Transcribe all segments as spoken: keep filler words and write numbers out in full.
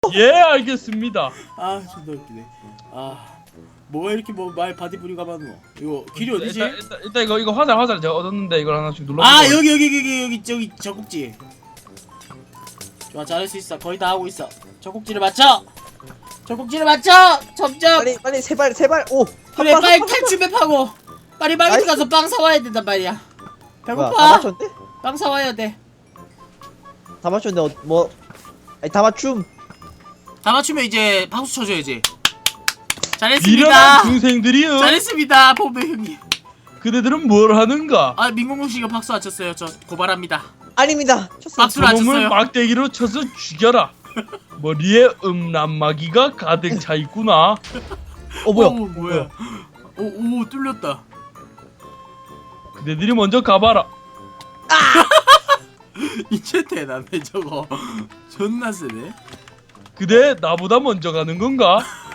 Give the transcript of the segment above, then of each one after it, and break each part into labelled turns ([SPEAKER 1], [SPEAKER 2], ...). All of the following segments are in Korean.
[SPEAKER 1] 예, 알겠습니다.
[SPEAKER 2] 아 존나 웃기네. 아 뭐가 이렇게 뭐 말 바디 부리가 많노? 이거 길이 어디지?
[SPEAKER 1] 일단, 일단, 일단 이거 이거 화살 화살 제가 얻었는데 이걸 하나씩 눌러.
[SPEAKER 2] 아 여기 여기 여기 여기 저기 젖꼭지. 좋아 잘할 수 있어. 거의 다 하고 있어. 젖꼭지를 맞춰. 젖꼭지를 맞춰. 점점.
[SPEAKER 3] 빨리 빨리 세발 세발 오
[SPEAKER 2] 그래 빨리 탈출맵하고 빨리 마켓 가서 빵 사와야 된단 말이야.
[SPEAKER 3] 다
[SPEAKER 2] 배고파.
[SPEAKER 3] 맞췄는데?
[SPEAKER 2] 빵 사와야 돼.
[SPEAKER 3] 다 맞췄는데 어, 뭐 아니 다 맞춤.
[SPEAKER 2] 다 맞추면 이제 박수 쳐줘야지.
[SPEAKER 1] 미련한
[SPEAKER 2] 잘했습니다.
[SPEAKER 1] 중생들이요.
[SPEAKER 2] 잘했습니다, 보배 형님.
[SPEAKER 1] 그대들은 뭘 하는가?
[SPEAKER 2] 아 민공공 씨가 박수 안 쳤어요. 저 고발합니다.
[SPEAKER 3] 아닙니다. 쳤어.
[SPEAKER 2] 박수를 안
[SPEAKER 1] 저놈을
[SPEAKER 2] 쳤어요.
[SPEAKER 1] 막대기로 쳐서 죽여라. 머리에 음란마귀가 가득 차 있구나.
[SPEAKER 3] 어 뭐야?
[SPEAKER 2] 오, 뭐야? 오, 오 뚫렸다.
[SPEAKER 1] 그대들이 먼저 가봐라.
[SPEAKER 2] 이제 대단해 저거. 존나 세네.
[SPEAKER 1] 그대 나보다 먼저 가는 건가?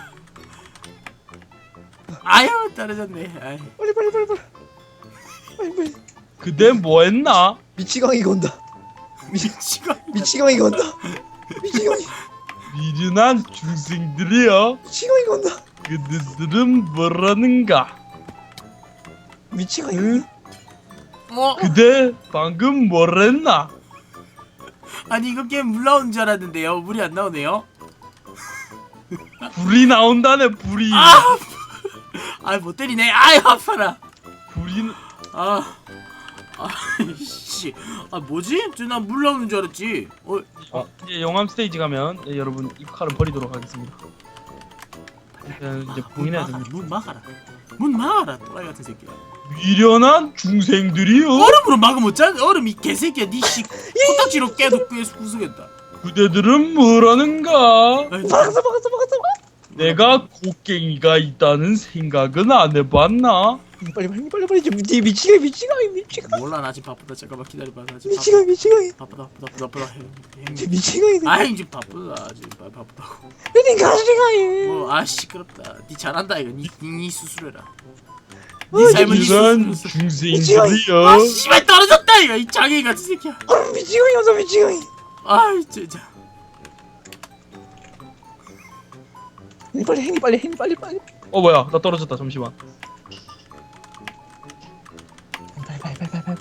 [SPEAKER 2] 아유 떨어졌네. 아이.
[SPEAKER 3] 빨리 빨리 빨리 빨리. 빨리 빨리.
[SPEAKER 1] 그대 뭐했나?
[SPEAKER 3] 미치광이가 온다.
[SPEAKER 2] 미치가.
[SPEAKER 3] 미치광이가 온다. 미치광이
[SPEAKER 1] 미련한 중생들이여.
[SPEAKER 3] 미치광이가 온다.
[SPEAKER 1] 그대들은 뭐라는가?
[SPEAKER 3] 미치광이.
[SPEAKER 1] 응?
[SPEAKER 2] 어?
[SPEAKER 1] 그대 방금 뭐랬나?
[SPEAKER 2] 아니 이거 게임 물 나오는 줄 알았는데요. 물이 안 나오네요.
[SPEAKER 1] 불이 나온다네. 불이.
[SPEAKER 2] 아, 아 못 때리네. 아유 아파라.
[SPEAKER 1] 불이.
[SPEAKER 2] 아, 아이씨, 아 뭐지? 저나물 나오는 줄 알았지. 어,
[SPEAKER 1] 어, 이제 영암 스테이지 가면 예, 여러분 이 칼은 버리도록 하겠습니다. 일단 이제
[SPEAKER 2] 문
[SPEAKER 1] 봉인해야
[SPEAKER 2] 막아라.
[SPEAKER 1] 됩니다.
[SPEAKER 2] 문 막아라. 문 막아라. 또라이 같은 새끼야.
[SPEAKER 1] 미련한 중생들이요.
[SPEAKER 2] 얼음으로 막으면 어쩌? 얼음 이 개새끼야. 니씨 코딱지로 깨도 깨 부수겠다.
[SPEAKER 1] 그대들은 뭐라는가?
[SPEAKER 2] 아이,
[SPEAKER 3] 막았어 막았어 막았어.
[SPEAKER 1] 내가 곡괭이가 있다는 생각은 안 해봤나?
[SPEAKER 3] 빨리 빨리 빨리 빨리 좀 미 미치광이 미치광이 미치광이
[SPEAKER 2] 몰라 나 지금 바쁘다. 잠깐만 기다려봐. 나 지금
[SPEAKER 3] 미치광이 미치광이.
[SPEAKER 2] 바쁘다. 바쁘다 바쁘다 바쁘다. 형,
[SPEAKER 3] 저
[SPEAKER 2] 형님.
[SPEAKER 3] 미치광이.
[SPEAKER 2] 아이 지금 바쁘다. 지금 바- 바쁘다고.
[SPEAKER 3] 내 가시광이.
[SPEAKER 2] 뭐아 시끄럽다. 니 잘한다 이거. 니, 니, 니 수술해라.
[SPEAKER 3] 어,
[SPEAKER 2] 니 삶은 니
[SPEAKER 1] 미련한
[SPEAKER 2] 수술해라.
[SPEAKER 1] 중생들이요.
[SPEAKER 2] 아 씨발 떨어졌다 이거. 이 장애인 같은 새끼야.
[SPEAKER 3] 아 미치광이 와서 미치광이.
[SPEAKER 2] 아이 진짜.
[SPEAKER 3] 빨리 행이 빨리 행이 빨리 빨리.
[SPEAKER 1] 어 뭐야? 나 떨어졌다. 잠시만.
[SPEAKER 3] 빨리 빨리 빨리 빨리 빨리.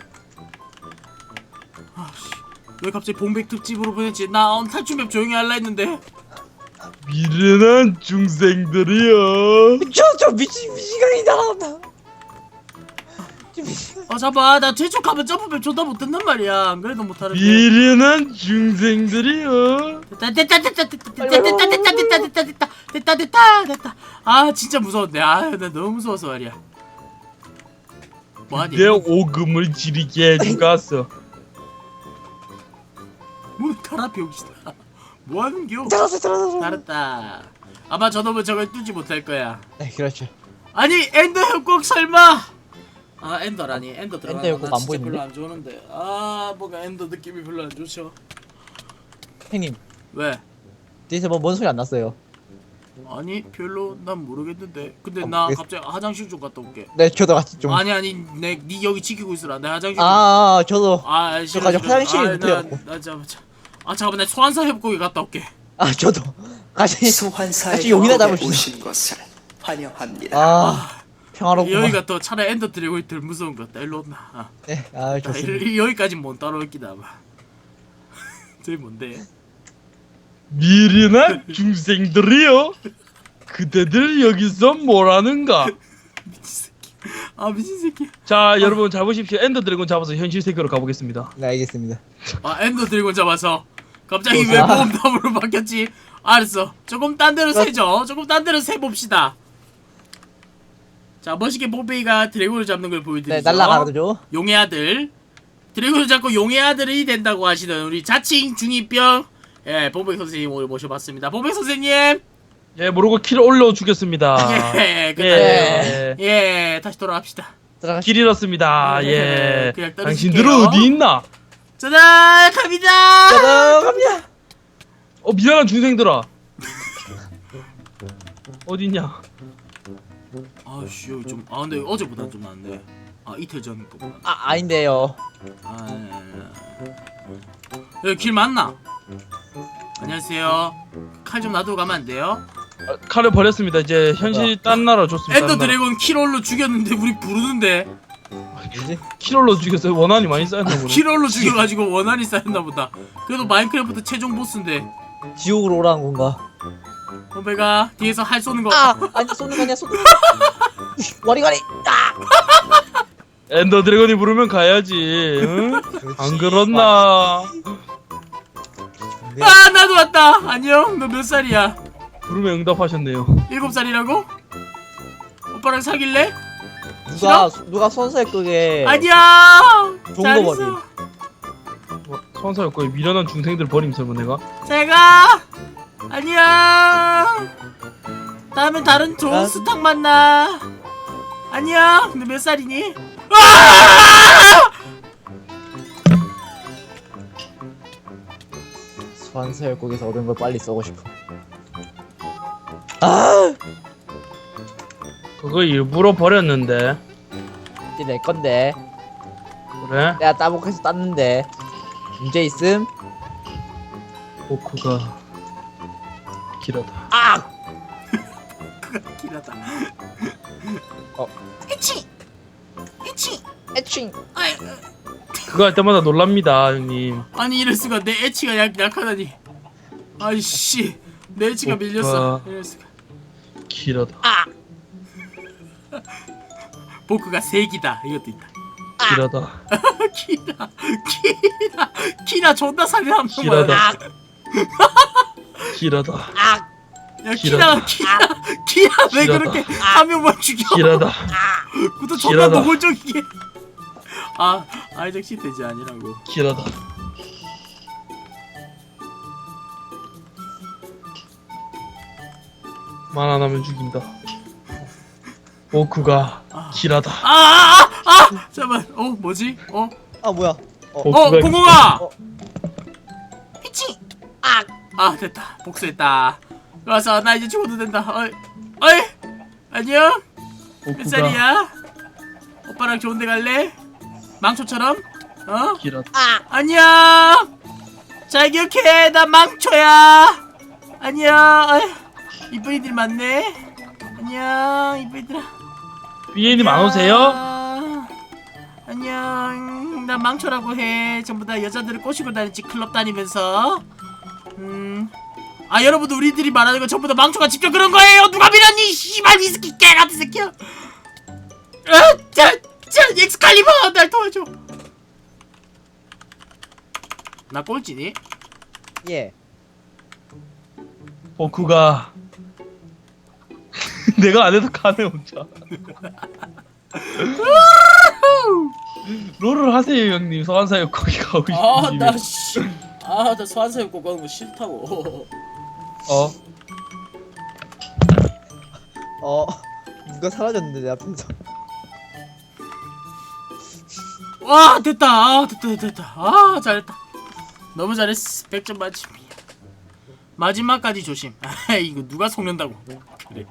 [SPEAKER 2] 아씨 왜 갑자기 봉백 특집으로 보냈지? 나 오늘 탈출맵 조용히 할라 했는데.
[SPEAKER 1] 미련한 중생들이요.
[SPEAKER 3] 저저 미치 미치광이 나온다. 저 미치광이.
[SPEAKER 2] 아 잡아 나 재촉하면 점프맵 존나 못된단 말이야. 안 그래도 못하는데.
[SPEAKER 1] 미련한 중생들이요.
[SPEAKER 2] 됐다 됐다 됐다 됐다 됐다 됐다 됐다 됐다 됐다 됐다 됐다 됐다 됐다. 아 진짜 무서운데. 아 나 너무 무서워서 말이야. 뭐하니?
[SPEAKER 1] 내 오금을 지리게 해주갔어.
[SPEAKER 2] 문 갈아 병신아. 뭐하는겨?
[SPEAKER 3] 들어서 들어서.
[SPEAKER 2] 잘했다. 아마 저놈은 저걸 뚫지 못할 거야.
[SPEAKER 3] 네 그렇죠.
[SPEAKER 2] 아니 엔더 협곡 설마? 아 엔더라니 엔더 들어가는
[SPEAKER 3] 엔더 협곡
[SPEAKER 2] 거나
[SPEAKER 3] 안
[SPEAKER 2] 진짜
[SPEAKER 3] 보이는데?
[SPEAKER 2] 별로 안 좋은데. 아 뭔가 엔더 느낌이 별로 안 좋죠.
[SPEAKER 3] 형님
[SPEAKER 2] 왜?
[SPEAKER 3] 뒤에서 뭐 뭔 소리 안 났어요?
[SPEAKER 2] 아니 별로 난 모르겠는데. 근데
[SPEAKER 3] 어,
[SPEAKER 2] 나
[SPEAKER 3] 모르겠-
[SPEAKER 2] 갑자기 화장실 좀 갔다 올게.
[SPEAKER 3] 네 저도 같이 좀.
[SPEAKER 2] 아니 아니 내 니 여기 지키고 있으라. 내 화장실. 좀-
[SPEAKER 3] 아, 아 저도.
[SPEAKER 2] 아 싫어.
[SPEAKER 3] 저까지
[SPEAKER 2] 싫어.
[SPEAKER 3] 화장실이
[SPEAKER 2] 아,
[SPEAKER 3] 못해갖고.
[SPEAKER 2] 나, 나 잠깐만. 자- 아 잠깐만 나 소환사 협곡에 갔다 올게.
[SPEAKER 3] 아 저도. 같이
[SPEAKER 4] 소환사의
[SPEAKER 3] 같이 용이나
[SPEAKER 4] 협곡에
[SPEAKER 3] 담읍시다.
[SPEAKER 4] 오신 것을 환영합니다.
[SPEAKER 3] 아 평화롭구만.
[SPEAKER 2] 여기가 또 차라리 엔더 드래곤이 덜 무서운 것 같다. 일로 온나. 아,
[SPEAKER 3] 네, 아
[SPEAKER 2] 아,
[SPEAKER 3] 좋습니다.
[SPEAKER 2] 이- 여기까지 못 따라올기다 아마. 저기 뭔데?
[SPEAKER 1] 미련한 중생들이요. 그대들 여기서 뭐라는가?
[SPEAKER 2] 미친 새끼. 아 미친 새끼.
[SPEAKER 1] 자 여러분 잘 보십시오. 엔더 드래곤 잡아서 현실 세계로 가보겠습니다.
[SPEAKER 3] 네 알겠습니다.
[SPEAKER 2] 아 엔더 드래곤 잡아서 갑자기
[SPEAKER 3] 어,
[SPEAKER 2] 왜
[SPEAKER 3] 아.
[SPEAKER 2] 모험담으로 바뀌었지? 알았어. 조금 딴 데로 세죠. 조금 딴 데로 세 봅시다. 자 멋있게 뽀페이가 드래곤을 잡는 걸 보여드리죠.
[SPEAKER 3] 네 날라가죠.
[SPEAKER 2] 용의 아들. 드래곤을 잡고 용의 아들이 된다고 하시던 우리 자칭 중이병 예 뽀페이 선생님 오늘 모셔봤습니다. 뽀페이 선생님.
[SPEAKER 1] 예 모르고 키를 올려주겠습니다.
[SPEAKER 2] 예 끝났네요.
[SPEAKER 1] 예.
[SPEAKER 2] 예 다시 돌아갑시다.
[SPEAKER 3] 들어가시.
[SPEAKER 1] 길 잃었습니다.
[SPEAKER 2] 예,
[SPEAKER 1] 예.
[SPEAKER 2] 그냥 떨어질게요.
[SPEAKER 1] 당신들은 어디 있나?
[SPEAKER 2] 짜잔 갑니다.
[SPEAKER 3] 들어갑니다.
[SPEAKER 1] 어 미련한 중생들아. 어디 있냐?
[SPEAKER 2] 아씨 여기 좀 아 근데 어제보다 좀 낫네. 아 이틀 전 거보다.
[SPEAKER 3] 아 아닌데요.
[SPEAKER 2] 아 예, 예, 예. 여기 길 맞나? 안녕하세요. 칼 좀 놔두고 가면 안 돼요?
[SPEAKER 1] 아, 칼을 버렸습니다. 이제 현실 딴 나라 줬습니다.
[SPEAKER 2] 엔더
[SPEAKER 1] 딴 나라.
[SPEAKER 2] 드래곤 킬롤로 죽였는데 우리 부르는데
[SPEAKER 3] 뭐지?
[SPEAKER 1] 킬롤로 죽였어요. 원한이 많이 쌓였나 보네.
[SPEAKER 2] 킬롤로 죽여가지고 원한이 쌓였나 보다. 그래도 마인크래프트 최종 보스인데.
[SPEAKER 3] 지옥으로 오라는 건가?
[SPEAKER 2] 오메가 뒤에서 활 쏘는 거.
[SPEAKER 3] 아! 아니 쏘는 거 아니야 쏘는 거 와리가리! 아!
[SPEAKER 1] 엔더 드래곤이 부르면 가야지. 응? 안 그렇나?
[SPEAKER 3] 네.
[SPEAKER 2] 아 나도 왔다. 안녕. 너 몇 살이야?
[SPEAKER 1] 부르면 응답하셨네요.
[SPEAKER 2] 일곱 살이라고? 오빠랑 사귈래?
[SPEAKER 3] 누가 누가 선수의 끄게
[SPEAKER 2] 아니야.
[SPEAKER 3] 좋은
[SPEAKER 2] 잘
[SPEAKER 3] 거
[SPEAKER 2] 있어.
[SPEAKER 1] 선사였고 미련한 중생들 버림 설마 내가?
[SPEAKER 2] 제가 안녕. 다음엔 다른 좋은
[SPEAKER 3] 난-
[SPEAKER 2] 스탁 만나. 안녕. 근데 몇 살이니? 아!
[SPEAKER 3] 소환사열국에서 얻은 걸 빨리 써고 싶어. 아!
[SPEAKER 1] 그거 일부러 버렸는데.
[SPEAKER 3] 이제 내 건데
[SPEAKER 1] 그래?
[SPEAKER 3] 내가 따복해서 땄는데 문제 있음?
[SPEAKER 1] 오크가 길하다.
[SPEAKER 3] 아!
[SPEAKER 2] 그가 길하다.
[SPEAKER 3] 어.
[SPEAKER 2] 에치. 에치.
[SPEAKER 3] 애칭!
[SPEAKER 2] 아이,
[SPEAKER 1] 그거 할 때마다 놀랍니다, 형님.
[SPEAKER 2] 아니 이럴 수가. 내 에치가 약 약하다니. 아이씨. 내 에치가
[SPEAKER 1] 오빠.
[SPEAKER 2] 밀렸어. 이럴 수가.
[SPEAKER 1] 길하다.
[SPEAKER 2] 보크가 색이다. 이것도 있다.
[SPEAKER 1] 길하다.
[SPEAKER 2] 키나 키나 키나 존나 살려 한 명만.
[SPEAKER 1] 길하다. 길하다.
[SPEAKER 2] 야 키나
[SPEAKER 1] 길하다.
[SPEAKER 2] 키나 키나 왜
[SPEAKER 1] 길하다.
[SPEAKER 2] 그렇게 한 명만 죽여?
[SPEAKER 1] 길하다.
[SPEAKER 2] 그것도 존나
[SPEAKER 1] 길하다.
[SPEAKER 2] 노골적이게. 아 아이작 시대지 아니라고.
[SPEAKER 1] 길하다. 말 안 하면 죽인다. 오크가 길하다.
[SPEAKER 2] 아아아 아, 아! 잠깐만. 어 뭐지? 어?
[SPEAKER 3] 아 뭐야?
[SPEAKER 2] 어
[SPEAKER 1] 오크가
[SPEAKER 2] 공공아.
[SPEAKER 3] 어.
[SPEAKER 2] 피치. 아! 아 됐다. 복수했다. 와서 나 이제 죽어도 된다. 어이 어이 안녕. 몇
[SPEAKER 1] 오크가
[SPEAKER 2] 살이야? 오빠랑 좋은데 갈래? 망초처럼? 어?
[SPEAKER 1] 길하다.
[SPEAKER 2] 안녕. 잘 기억해. 나 망초야. 안녕. 어휴, 이쁜 이들 많네. 안녕 이쁜 이들아.
[SPEAKER 1] 비에님 안 오세요?
[SPEAKER 2] 안녕. 나 망초라고 해. 전부 다 여자들을 꼬시고 다니지. 클럽 다니면서. 음. 아 여러분들 우리들이 말하는 거 전부 다 망초가 직접 그런 거예요. 누가 믿었니? 씨발 위스키 개 같은 새끼야. 아, 자, 자, 엑스칼리버 날 도와줘. 나 꼴찌니?
[SPEAKER 3] 예.
[SPEAKER 1] 오크가 내가 안 해도 가네 혼자. 롤을 하세요 형님. 소환사역 거기 가고 싶으시면.
[SPEAKER 2] 아나 씨. 아나 소환사역 꼭 가는 거 싫다고.
[SPEAKER 1] 어?
[SPEAKER 3] 어 누가 사라졌는데 내 앞에서.
[SPEAKER 2] 와 됐다. 아 됐다 됐다 됐다. 아 잘했다. 너무 잘했어. 백 점 만점이야. 마지막까지 조심. 아 이거 누가 속는다고. 그래.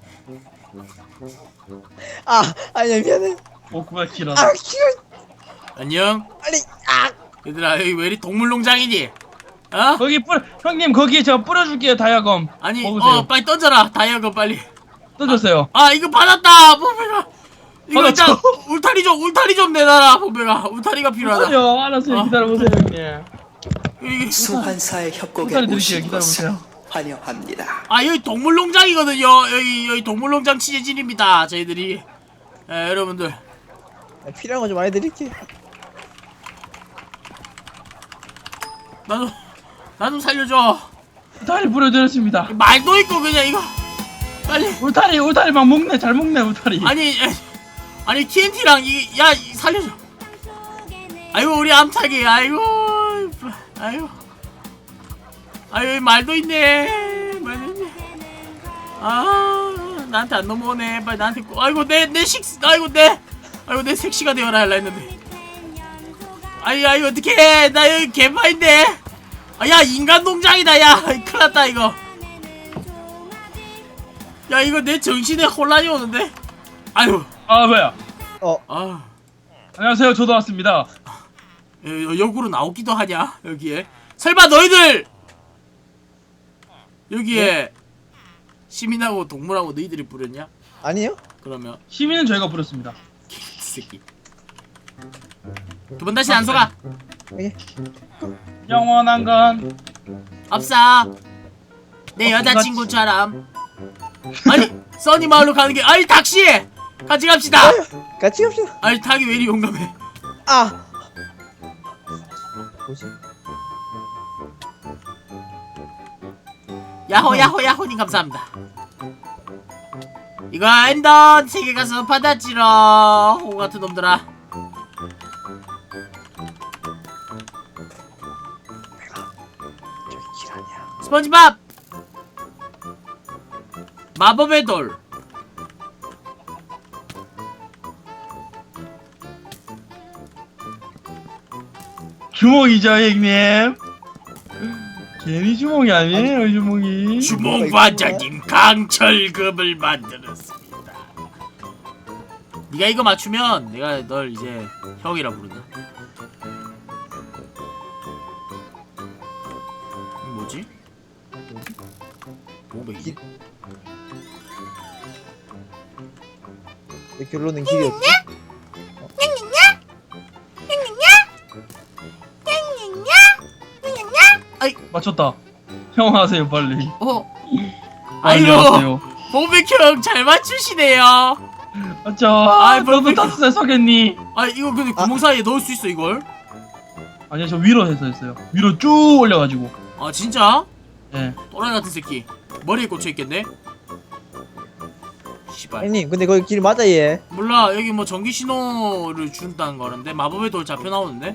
[SPEAKER 3] 아 아니야 미안해.
[SPEAKER 1] 오크가 길하다.
[SPEAKER 3] 아 키워
[SPEAKER 2] 안녕.
[SPEAKER 3] 빨리. 아
[SPEAKER 2] 얘들아 여기 왜 이리 동물농장이니? 어?
[SPEAKER 1] 거기 뿌려 형님 거기에 제가 뿌려줄게요 다이아검.
[SPEAKER 2] 아니
[SPEAKER 1] 먹으세요.
[SPEAKER 2] 어 빨리 던져라. 다이아건 빨리.
[SPEAKER 1] 떠줬어요.
[SPEAKER 2] 아 이거 받았다. 보배가. 이거
[SPEAKER 1] 받았죠?
[SPEAKER 2] 일단 울타리 좀 울타리 좀 내놔라. 보배가. 울타리가 필요하다.
[SPEAKER 1] 기다려 알았어요.
[SPEAKER 2] 어.
[SPEAKER 1] 기다려보세요 형님.
[SPEAKER 2] 이게
[SPEAKER 4] 소환사의 협곡에
[SPEAKER 1] 후타리 드릴게요.
[SPEAKER 4] 오신 것을
[SPEAKER 1] 기다려보세요.
[SPEAKER 4] 환영합니다.
[SPEAKER 2] 아 여기 동물농장이거든요. 여기 여기 동물농장 취재진입니다. 저희들이. 에, 여러분들
[SPEAKER 3] 필요한 거 좀 많이 드릴게.
[SPEAKER 2] 나도 나 좀 살려줘.
[SPEAKER 1] 울타리 뿌려드렸습니다.
[SPEAKER 2] 말도 있고 그냥 이거 빨리.
[SPEAKER 1] 울타리 울타리 막 먹네. 잘 먹네 울타리.
[SPEAKER 2] 아니 에, 아니 티엔티랑 이야 살려줘. 아이고 우리 암탉이 아이고 아이고 아이고 말도 있네. 말도 있네. 아 나한테 안 넘어오네. 빨리 나한테 꼭. 아이고 내 내 식 아이고 내 아이고 내 섹시가 되어라 할라 했는데. 아이 아이 어떡해. 나 여기 개파인데. 아 야 인간 농장이다. 야 큰일났다 이거. 야 이거 내 정신에 혼란이 오는데. 아유
[SPEAKER 1] 아 뭐야?
[SPEAKER 3] 어
[SPEAKER 2] 아
[SPEAKER 1] 안녕하세요. 저도 왔습니다.
[SPEAKER 2] 여, 역으로 나오기도 하냐 여기에. 설마 너희들 여기에 시민하고 동물하고 너희들이 부렸냐?
[SPEAKER 3] 아니요?
[SPEAKER 2] 그러면
[SPEAKER 1] 시민은 저희가 부렸습니다.
[SPEAKER 2] 새끼 두 번 다시 안 속아.
[SPEAKER 3] 예.
[SPEAKER 1] 영원한 건
[SPEAKER 2] 없어. 내 여자친구처럼. 아니 써니 마을로 가는 게 아니 닥시 같이 갑시다.
[SPEAKER 3] 같이 갑시다.
[SPEAKER 2] 아니 닭이 왜 이리 용감해.
[SPEAKER 3] 아. 뭐지?
[SPEAKER 2] 야호 야호 야호님 감사합니다. 이거 엔던 세계 가서 받았지러 호 같은 놈들아.
[SPEAKER 3] 저기 길 아니야.
[SPEAKER 2] 스펀지밥 마법의 돌.
[SPEAKER 1] 주먹이죠 형님. 괜히 주먹이 아니에요 주먹이.
[SPEAKER 2] 주몽 반장님 강철급을 만들었습니다. 네가 이거 맞추면 내가 널 이제 형이라 부른다. 이거 뭐지? 뭐지?
[SPEAKER 3] 내 결론은 길이 없지?
[SPEAKER 1] 맞췄다. 형 하세요 빨리.
[SPEAKER 2] 어?
[SPEAKER 1] 빨리
[SPEAKER 2] 아이고
[SPEAKER 1] 하세요.
[SPEAKER 2] 봉백형 잘 맞추시네요.
[SPEAKER 1] 맞죠?
[SPEAKER 2] 아이,
[SPEAKER 1] 아, 너도
[SPEAKER 2] 뭐,
[SPEAKER 1] 다섯 살 서겠니?
[SPEAKER 2] 아 이거 근데 구멍 사이에 넣을 수 있어 이걸?
[SPEAKER 1] 아니요 저 위로 해서 했어요. 위로 쭉 올려가지고.
[SPEAKER 2] 아 진짜?
[SPEAKER 1] 예.
[SPEAKER 2] 또라이 같은 새끼 머리에 꽂혀있겠네? 씨발
[SPEAKER 3] 형님, 근데 거기 길 맞아 얘.
[SPEAKER 2] 몰라 여기 뭐 전기 신호를 준다는 거는데 마법의 돌 잡혀 나오는데?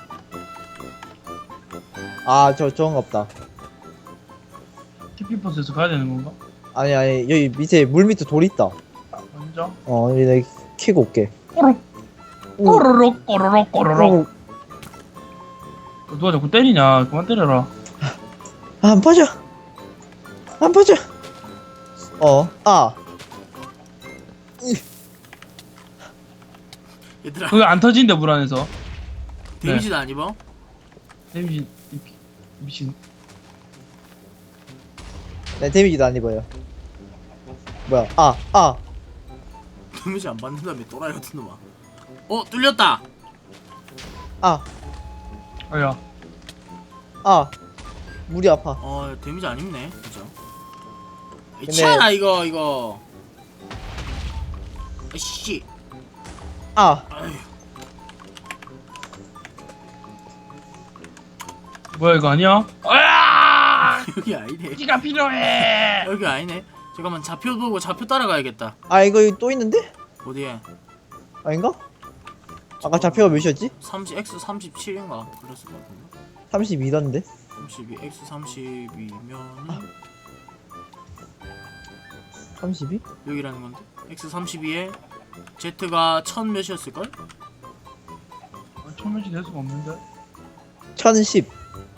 [SPEAKER 3] 아, 저 저건 없다.
[SPEAKER 1] 티피버스에서 가야 되는 건가?
[SPEAKER 3] 아니 아니 여기 밑에 물 밑에 돌 있다.
[SPEAKER 1] 먼저.
[SPEAKER 3] 어, 여기 내가 캐고 올게.
[SPEAKER 1] 꼬르륵
[SPEAKER 3] 오.
[SPEAKER 1] 꼬르륵 꼬르륵 꼬르륵.
[SPEAKER 3] 어,
[SPEAKER 1] 누가 자꾸 때리냐? 그만 때려라.
[SPEAKER 3] 안 빠져. 안 빠져. 어, 아.
[SPEAKER 2] 얘들아
[SPEAKER 1] 그거 안 터진대 물 안에서.
[SPEAKER 2] 데미지도 안 입어?
[SPEAKER 1] 데미지 이- 미친.
[SPEAKER 3] 네, 데미지도 안 입어요. 뭐야? 아, 아.
[SPEAKER 2] 데미지 안 받는다며 또라이 같은 놈아. 어 뚫렸다.
[SPEAKER 3] 아,
[SPEAKER 1] 아야.
[SPEAKER 3] 아. 물이 아파.
[SPEAKER 2] 어 데미지 안 입네 그죠?
[SPEAKER 3] 근데-
[SPEAKER 2] 치아라 이거 이거. 아씨.
[SPEAKER 3] 아.
[SPEAKER 2] 아휴.
[SPEAKER 1] 뭐야 이거 아니야? 아!
[SPEAKER 2] 여기 아니네.
[SPEAKER 1] 피가 필요해.
[SPEAKER 2] 여기 아니네. 잠깐만 좌표 보고 좌표 따라가야겠다.
[SPEAKER 3] 아, 이거 여기 또 있는데?
[SPEAKER 2] 어디에?
[SPEAKER 3] 아닌가? 아까 좌표가 몇이었지?
[SPEAKER 2] 삼십 x 삼십칠인가 그랬을 것 같은데.
[SPEAKER 3] 삼십이던데?
[SPEAKER 2] 삼십이 x 삼십이면
[SPEAKER 3] 삼십이?
[SPEAKER 2] 여기라는 건데. x 삼십이에 z가 천 몇이었을걸?
[SPEAKER 1] 천몇이 될 수가 없는데.
[SPEAKER 3] 천십.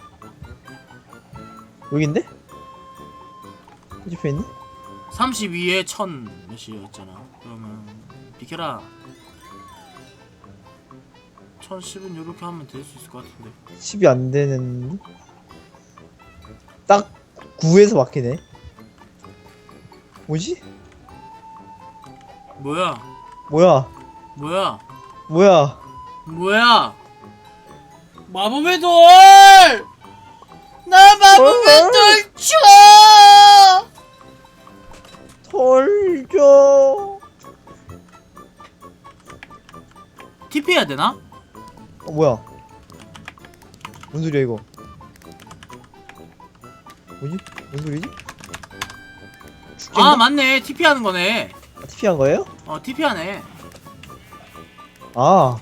[SPEAKER 3] 여긴데? 옆에 있네?
[SPEAKER 2] 삼십이에 천 몇이었잖아. 그러면 비켜라. 천십은 요렇게 하면 될 수 있을 것 같은데.
[SPEAKER 3] 십이 안 되는. 딱 구에서 막히네. 뭐지?
[SPEAKER 2] 뭐야?
[SPEAKER 3] 뭐야?
[SPEAKER 2] 뭐야?
[SPEAKER 3] 뭐야?
[SPEAKER 2] 뭐야? 마법의 돌! 나 마법의
[SPEAKER 3] 어?
[SPEAKER 2] 돌 줘!
[SPEAKER 3] 털죠.
[SPEAKER 2] 티피 해야 되나?
[SPEAKER 3] 어, 뭐야? 뭔 소리야 이거? 뭐지? 뭔 소리지?
[SPEAKER 2] 아
[SPEAKER 3] 죽겠나?
[SPEAKER 2] 맞네. 티피 하는 거네.
[SPEAKER 3] 아, 티피 한 거예요?
[SPEAKER 2] 어 티피 하네.
[SPEAKER 3] 아.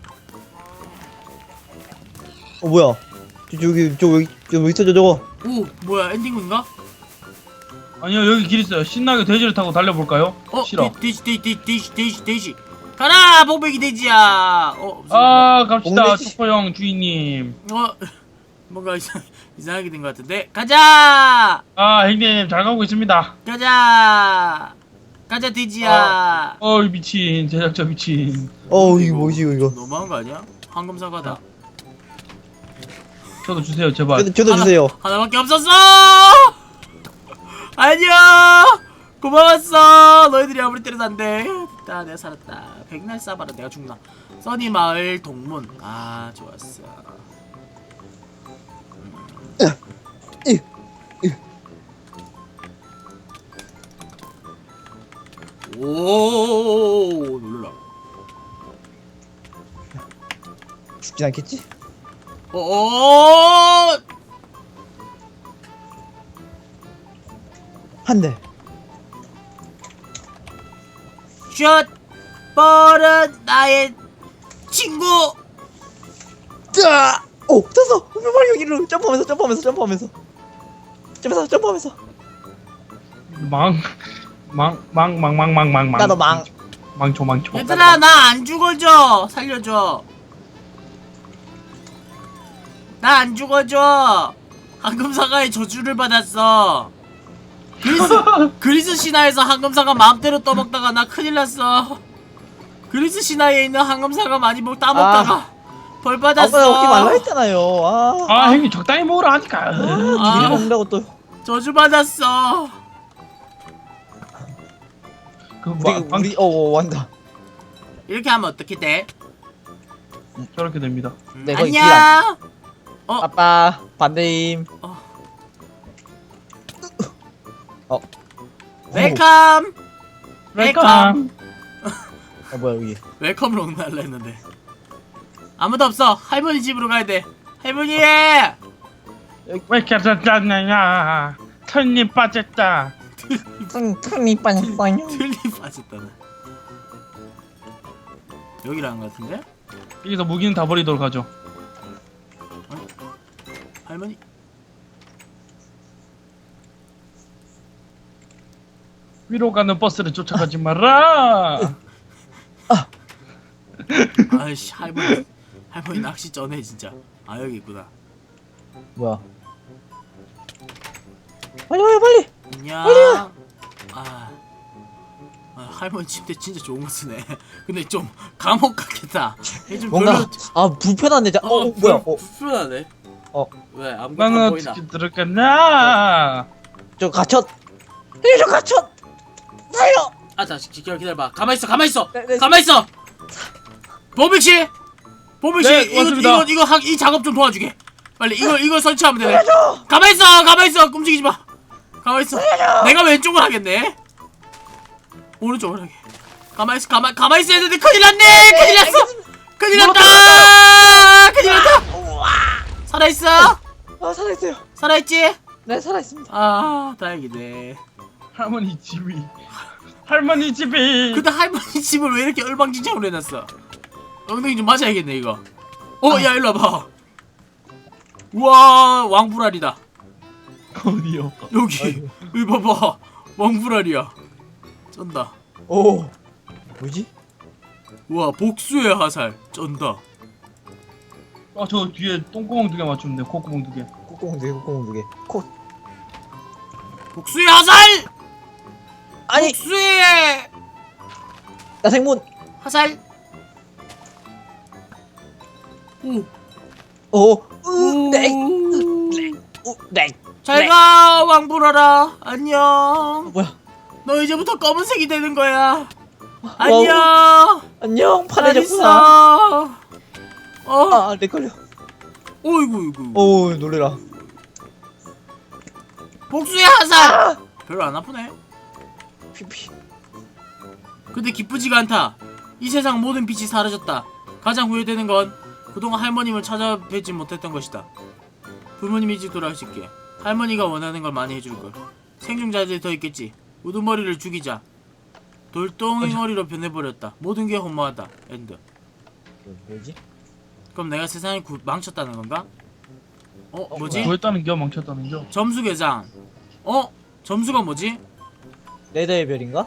[SPEAKER 3] 어 뭐야? 저 저기 저 여기 저 있어 저 저거.
[SPEAKER 2] 오 뭐야 엔딩인가?
[SPEAKER 1] 아니요 여기 길 있어요. 신나게 돼지를 타고 달려볼까요?
[SPEAKER 2] 어
[SPEAKER 1] 싫어.
[SPEAKER 2] 돼- 돼지 돼지 돼지 돼지 돼지 돼지 가라 봉백이 돼지야. 어 무슨
[SPEAKER 1] 아 갑시다
[SPEAKER 3] 옹돼지.
[SPEAKER 1] 초코형 주인님.
[SPEAKER 2] 어 뭔가 이상 이상하게 된 것 같은데 가자
[SPEAKER 1] 아 형님 잘 가고 있습니다.
[SPEAKER 2] 가자 가자 돼지야.
[SPEAKER 1] 어이 미친 제작자 미친.
[SPEAKER 3] 어 이거 뭐지 이거?
[SPEAKER 2] 너무한 거 아니야? 황금 사과다.
[SPEAKER 1] 저도 주세요 제발.
[SPEAKER 3] 저도 저도
[SPEAKER 2] 하나-
[SPEAKER 3] 주세요.
[SPEAKER 2] 하나밖에 없었어. 안녕. 고마웠어. 너희들이 아무리 때려도 안돼. 됐다, 내가 살았다. 백날 쏴봐라 내가 죽나. 써니 마을 동문. 아 좋았어.
[SPEAKER 3] 이,
[SPEAKER 2] 오 놀라.
[SPEAKER 3] 죽진 않겠지?
[SPEAKER 2] 오
[SPEAKER 3] 한 대.
[SPEAKER 2] 슛 버릇 나의 친구.
[SPEAKER 3] 자, 오, 떴어. 빨리 여기로 점프하면서 점프하면서 점프하면서 점프하면서 점프하면서.
[SPEAKER 1] 망, 망, 망, 망, 망, 망, 망, 망.
[SPEAKER 3] 나도 망.
[SPEAKER 1] 망초, 망초.
[SPEAKER 2] 얘들아 나 안 죽어줘. 살려줘. 나 안 죽어줘. 황금사과의 저주를 받았어. 그리스 그리스 신화에서 황금사과 마음대로 떠먹다가 나 큰일 났어. 그리스 신화에 있는 황금사과 많이 먹 따먹다가 벌
[SPEAKER 3] 아까
[SPEAKER 2] 받았어.
[SPEAKER 3] 먹지 말라 했잖아요. 아,
[SPEAKER 1] 아, 형님 적당히 먹으라 하니까.
[SPEAKER 3] 아,
[SPEAKER 2] 아.
[SPEAKER 3] 괜히 먹는다고 또.
[SPEAKER 2] 저주 받았어.
[SPEAKER 1] 그
[SPEAKER 3] 우리
[SPEAKER 1] 마, 망,
[SPEAKER 3] 우리 어, 어 완다.
[SPEAKER 2] 이렇게 하면 어떻게 돼?
[SPEAKER 1] 저렇게 됩니다.
[SPEAKER 2] 음,
[SPEAKER 3] 네, 거의 길
[SPEAKER 2] 안녕. 어,
[SPEAKER 3] 아빠 반대임.
[SPEAKER 2] 어.
[SPEAKER 3] 어.
[SPEAKER 2] 웰컴.
[SPEAKER 1] 웰컴.
[SPEAKER 3] 어 뭐야 여기.
[SPEAKER 2] 웰컴으로 날라 했는데 아무도 없어. 할머니 집으로 가야 돼. 할머니.
[SPEAKER 1] 왜 이렇게 짰냐냐. 털님 빠졌다.
[SPEAKER 3] 탕 탕이 빠졌어요.
[SPEAKER 2] 틀리 빠졌다네. 여기라는 것 같은데?
[SPEAKER 1] 여기서 무기는 다 버리도록 하죠.
[SPEAKER 2] 할머니.
[SPEAKER 1] 위로 가는 버스를 쫓아가지 마라.
[SPEAKER 2] 아이씨 할머니. 할머니 낚시 쩌네 진짜. 아 여기 있구나.
[SPEAKER 3] 뭐야? 빨리 빨리 빨리.
[SPEAKER 2] 안녕. 아, 아 할머니 침대 진짜 좋은 거 쓰네. 근데 좀 감옥 같겠다. 이게 좀
[SPEAKER 3] 뭔가
[SPEAKER 2] 별로.
[SPEAKER 3] 아 불편한데 자. 어, 어 뭐야? 어,
[SPEAKER 2] 불편하네.
[SPEAKER 3] 어.
[SPEAKER 2] 왜 아무것도 안
[SPEAKER 1] 나는
[SPEAKER 2] 보이나?
[SPEAKER 1] 어떻게 들어갔나?
[SPEAKER 3] 저 갇혔. 이저 갇혔. 살려.
[SPEAKER 2] 아, 자, 기다려, 기다려봐. 가만 있어, 가만 있어,
[SPEAKER 3] 네, 네.
[SPEAKER 2] 가만 있어. 보빅 씨, 보빅 씨,
[SPEAKER 1] 네,
[SPEAKER 2] 이거
[SPEAKER 1] 맞습니다.
[SPEAKER 2] 이거 이거 하, 이 작업 좀 도와주게. 빨리 이거 이거 설치하면 되네. 가만 있어, 가만 있어, 움직이지 마. 가만 있어. 내가 왼쪽을 하겠네. 오른쪽을 하게. 가만 있어, 가만 가만 있어야 되는데 큰일 났네, 큰일 났어, 큰일 났다, 큰일 났다. 살아 있어?
[SPEAKER 3] 아 살아있어요.
[SPEAKER 2] 살아 있지?
[SPEAKER 3] 네 살아있습니다.
[SPEAKER 2] 아, 다행이네.
[SPEAKER 1] 할머니 집이. 할머니 집이.
[SPEAKER 2] 근데 할머니 집을 왜 이렇게 얼방진창으로 해놨어? 엉덩이 좀 맞아야겠네 이거. 어, 야 일로 와봐. 우와, 왕불알이다.
[SPEAKER 1] 어디요?
[SPEAKER 2] 여기
[SPEAKER 3] 아이고.
[SPEAKER 2] 여기 봐봐, 왕불알이야. 쩐다.
[SPEAKER 3] 오. 뭐지?
[SPEAKER 2] 우와, 복수의 화살. 쩐다.
[SPEAKER 1] 아, 저 뒤에 똥구멍 두 개 맞추면 돼. 콧구멍 두 개.
[SPEAKER 3] 콧구멍 두 개, 콧구멍 두 개. 코.
[SPEAKER 2] 복수의 화살.
[SPEAKER 3] 아니
[SPEAKER 2] 복수의
[SPEAKER 3] 나 생문.
[SPEAKER 2] 화살. 오.
[SPEAKER 3] 오.
[SPEAKER 2] 오.
[SPEAKER 3] 으. 네. 오. 네.
[SPEAKER 2] 잘가 왕불알아. 안녕.
[SPEAKER 3] 어, 뭐야?
[SPEAKER 2] 너 이제부터 검은색이 되는 거야. 안녕.
[SPEAKER 3] 안녕.
[SPEAKER 2] 잘
[SPEAKER 3] 파래졌구나.
[SPEAKER 2] 있어. 어.
[SPEAKER 3] 아, 내 걸려.
[SPEAKER 2] 어이구 이구.
[SPEAKER 3] 오, 놀래라.
[SPEAKER 2] 복수의 화살.
[SPEAKER 3] 아!
[SPEAKER 2] 별로 안 아프네.
[SPEAKER 3] 피피.
[SPEAKER 2] 근데 기쁘지가 않다. 이 세상 모든 빛이 사라졌다. 가장 후회되는 건 그동안 할머님을 찾아뵙지 못했던 것이다. 부모님 일찍 돌아가실게. 할머니가 원하는 걸 많이 해줄걸. 생존자들이 더 있겠지. 우두머리를 죽이자. 돌덩이 머리로 변해버렸다. 모든 게 허무하다. 엔드.
[SPEAKER 3] 뭐지?
[SPEAKER 2] 그럼 내가 세상을 구, 망쳤다는 건가? 어? 뭐지?
[SPEAKER 1] 구했다는 겨, 망쳤다는 겨.
[SPEAKER 2] 점수 계산. 어? 점수가 뭐지?
[SPEAKER 3] 레더의 별인가?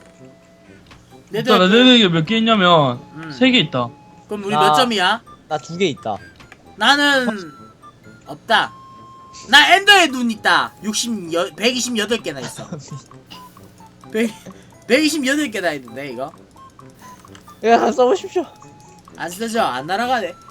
[SPEAKER 1] 일단 레드에게 몇 개 있냐면
[SPEAKER 2] 음.
[SPEAKER 1] 세 개 있다.
[SPEAKER 2] 그럼 우리
[SPEAKER 3] 나-
[SPEAKER 2] 몇 점이야?
[SPEAKER 3] 나 두 개 있다.
[SPEAKER 2] 나는 없다. 나 엔더의 눈 있다. 육십, 백이십팔 개나 있어. 백, 백이십팔 개나 있는데 이거?
[SPEAKER 3] 야, 써보십시오.
[SPEAKER 2] 안 쓰죠? 안 날아가네.